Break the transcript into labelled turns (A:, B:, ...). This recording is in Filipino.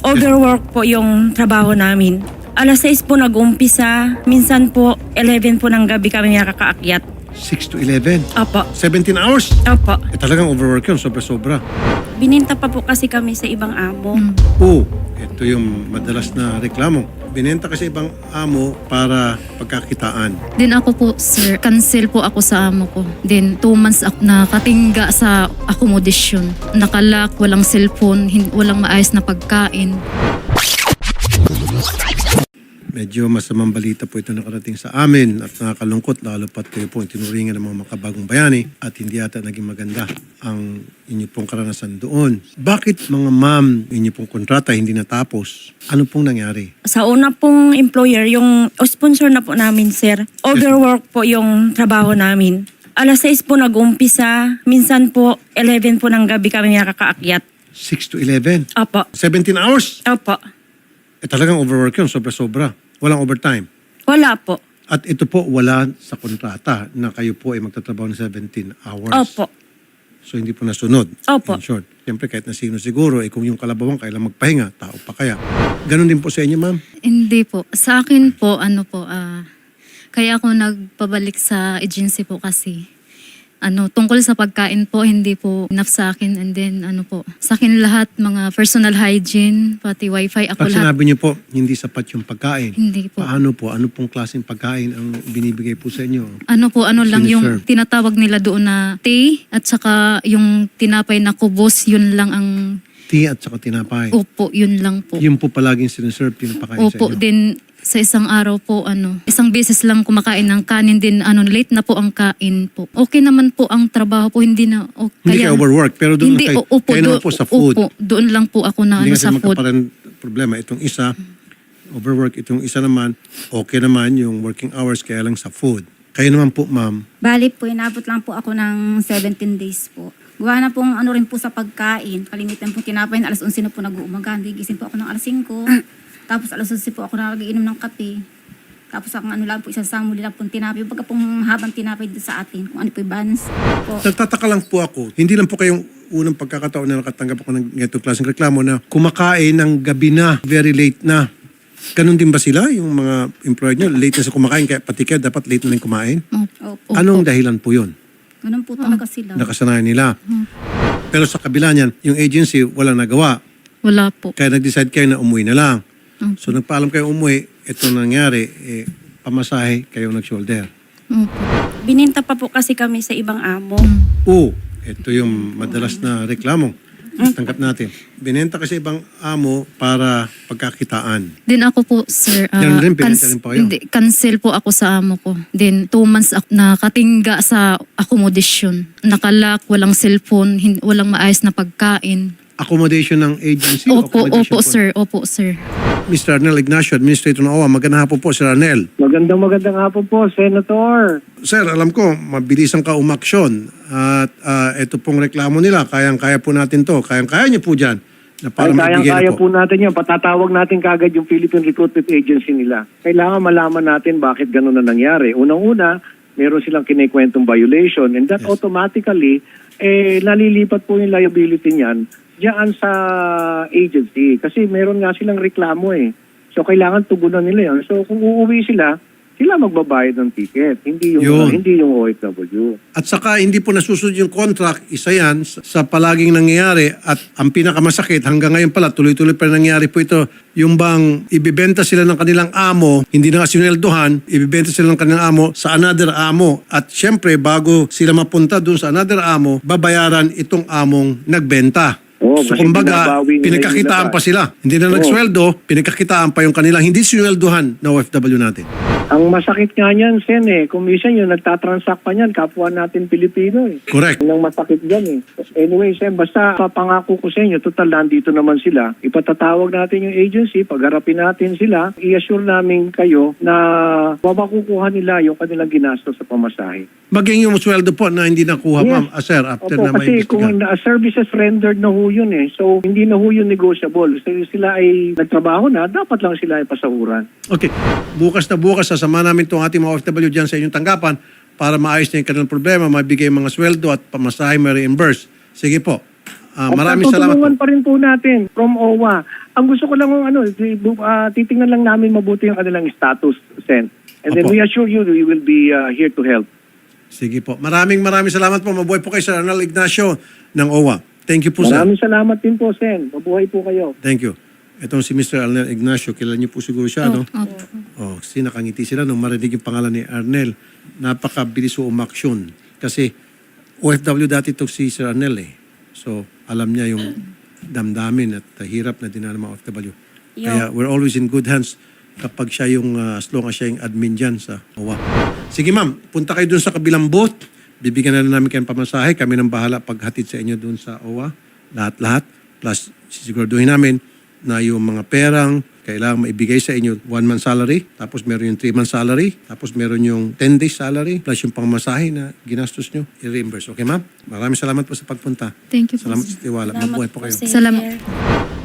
A: Overwork po yung trabaho namin. Alas 6 po nag-umpisa, minsan po 11 po ng gabi kami nakakaakyat.
B: 6 to 11.
A: Opo.
B: 17 hours.
A: Opo.
B: Talagang overwork yun, sobra-sobra.
A: Bininta pa po kasi kami sa ibang amo.
B: Oo, ito yung madalas na reklamo. Binenta kasi ibang amo para pagkakitaan.
C: Then ako po, sir, cancel po ako sa amo ko. Then 2 months ako nakatingga sa accommodation. Nakalak, walang cellphone, walang maayos na pagkain.
B: Medyo masamang balita po ito nakarating sa amin at nakakalungkot lalo pat kayo po tinuringan ng mga makabagong bayani at hindi ata naging maganda ang inyo pong karanasan doon. Bakit mga ma'am, inyo pong kontrata hindi natapos? Ano pong nangyari?
A: Sa una pong employer, yung sponsor na po namin, sir, overwork po yung trabaho namin. Alas 6 po nag-umpisa, minsan po 11 po ng gabi kami nakakaakyat.
B: 6 to 11?
A: Opo.
B: 17 hours?
A: Opo.
B: Talagang overwork yun, sobra-sobra. Walang overtime.
A: Wala po.
B: At ito po wala sa kontrata na kayo po ay magtatrabaho ng 17 hours.
A: Opo.
B: So hindi po nasunod.
A: Opo.
B: In short. Siyempre kahit na sino siguro, kung yung kalabawang kailang magpahinga, tao pa kaya. Ganon din po sa inyo, ma'am?
C: Hindi po. Sa akin po, kaya ako nagpabalik sa agency po kasi tungkol sa pagkain po, hindi po enough sa akin. And then, sa akin lahat, mga personal hygiene, pati wifi, ako
B: Pag
C: lahat.
B: sinabi niyo po, hindi sapat yung pagkain.
C: Hindi po.
B: Paano po? Ano pong klaseng pagkain ang binibigay po sa inyo?
C: Lang yung
B: Siniserve.
C: tinatawag nila doon na tea at saka yung tinapay na kubos, yun lang ang
B: Tea at saka tinapay.
C: upo, yun lang po.
B: Yung po palaging siniserve, pinapakain sa
C: Opo,
B: inyo.
C: din sa isang araw po, isang beses lang kumakain ng kanin din, late na po ang kain po. Okay naman po ang trabaho po, hindi na,
B: Hindi kayo overwork, pero doon
C: hindi,
B: kayo,
C: opo,
B: kayo naman po sa food.
C: Opo, doon lang po ako na
B: Hindi kasi
C: sa food.
B: magkaparang problema. Itong isa, overwork. Itong isa naman, okay naman yung working hours, kaya lang sa food. Kayo naman po, ma'am.
D: Bali po, inabot lang po ako ng 17 days po. Gawa na pong rin po sa pagkain. Kalimitan po tinapay na alas 11 na po nag-uumaga. Gising po ako ng alas 5. Tapos alas 11 po ako nagiinom ng kape. Tapos ang lang po, isang samuli lang po tinapay. Yung pagka pong habang tinapay dito sa atin, kung ano po yung balance po.
B: Nagtataka lang po ako, hindi lang po kayong unang pagkakataon na nakatanggap ako ng ganitong klaseng reklamo na kumakain ng gabi na, very late na. Ganun din ba sila, yung mga employer nyo? Late na sa kumakain, kaya pati kayo dapat late na lang kumain?
D: Opo.
B: Anong dahilan po yun?
D: Ganun po talaga sila.
B: Nakasanayan nila. Pero sa kabila niyan, yung agency walang nagawa.
C: Wala po.
B: Kaya nag-decide kayo na umuwi na lang. So nagpaalam kayo umuwi, ito nangyari, pamasahe kayo nag-shoulder.
A: Bininta pa po kasi kami sa ibang amo.
B: Oo, ito yung madalas na reklamo. Tanggap natin. Binenta kasi ibang amo para pagkakitaan.
C: Then ako po, sir,
B: Ganun rin, pinenta rin po kayo?
C: hindi, cancel po ako sa amo ko. Then 2 months ako nakatingga sa accommodation. Nakalak, walang cellphone, walang maayos na pagkain.
B: Accommodation ng agency? o
C: Opo,
B: accommodation
C: opo,
B: po?
C: sir. Opo, sir.
B: Mr. Arnel Ignacio, Administrator ng OWA. Magandang hapon po, Sir Arnel.
E: Magandang hapon po, Senator.
B: Sir, alam ko, mabilisan ka umaksyon. At ito pong reklamo nila, kayang-kaya po natin to. Kayang-kaya niyo po dyan. Na para magbigay
E: Kayang-kaya
B: na po.
E: po natin yan. Patatawag natin kagad yung Philippine Recruitment Agency nila. Kailangan malaman natin bakit gano'n na nangyari. Unang-una, meron silang kinikwentong violation and that automatically, nalilipat po yung liability niyan diyan sa agency. Kasi meron nga silang reklamo eh. So kailangan tugunan nila yan. So kung uuwi sila magbabayad ng ticket. Hindi yung OFW.
B: At saka hindi po nasusunod yung contract, isa yan sa palaging nangyayari at ang pinakamasakit hanggang ngayon pala tuloy-tuloy pa nangyayari po ito, yung bang ibibenta sila ng kanilang amo, hindi na nga sinweldohan, ibibenta sila ng kanilang amo sa another amo at syempre bago sila mapunta dun sa another amo, babayaran itong among nagbenta. So
E: Kasi
B: kumbaga,
E: binabawi nila
B: pinagkakitaan
E: yung
B: pa sila. Hindi na nagsweldo, pinagkakitaan pa yung kanilang hindi sinweldohan na OFW natin.
E: Ang masakit nga niyan, Sen, kung minsan yung nagtatransact pa niyan, kapwa natin Pilipino
B: Correct.
E: Yun ang masakit dyan Anyway, Sen, basta papangako ko sa inyo, total nandito naman sila. Ipatatawag natin yung agency, pagharapin natin sila, i-assure namin kayo na makukuha nila yung kanilang ginastos sa pamasahe.
B: Maging yung sweldo po na hindi nakuha,
E: Yes.
B: ma'am, sir, after
E: Opo,
B: na
E: kasi kung
B: maimbestigahan.
E: services rendered na ho yun So, hindi na ho yun negotiable. So, sila ay nagtrabaho na, dapat lang sila ay pasahuran.
B: Okay, bukas na bukas, sasama namin itong ating mga OFW dyan sa inyong tanggapan para maayos na yung kanilang problema, mabigay mga sweldo at pamasahe, ma-reimburse. Sige po. Maraming salamat
E: Tutulungan
B: po.
E: pa rin po natin from OWA. Ang gusto ko lang titingnan lang namin mabuti ang kanilang status, Sen. And then
B: Opo.
E: we assure you we will be here to help.
B: Sige po. Maraming salamat po. Mabuhay po kayo, Sir Arnel Ignacio ng OWA. Thank you po, sir.
E: Maraming salamat din po, Sen. Mabuhay po kayo.
B: Thank you. Itong si Mr. Arnel Ignacio, kilala niyo po siguro siya, no?
C: Opo.
B: Oh, kasi nakangiti sila nung marinig yung pangalan ni Arnel. Napakabilis o umaksyon. Kasi OFW dati itong si Sir Arnel eh. So, alam niya yung damdamin at hirap na dinala ng mga OFW. Kaya we're always in good hands kapag siya yung, as long as siya yung admin dyan sa OWA. Sige ma'am, punta kayo dun sa kabilang booth. Bibigyan na namin kayo ng pamasahe. Kami nang bahala paghatid sa inyo dun sa OWA. Lahat-lahat. Plus, sisiguraduhin namin na yung mga perang kailangan maibigay sa inyo 1 month salary, tapos meron yung 3 month salary, tapos meron yung 10 days salary, plus yung pangmasahe na ginastos nyo, i-reimburse. Okay ma'am? Maraming salamat po sa pagpunta.
C: Thank you po.
B: Salamat sa tiwala. Mabuhay po kayo.
C: Salamat.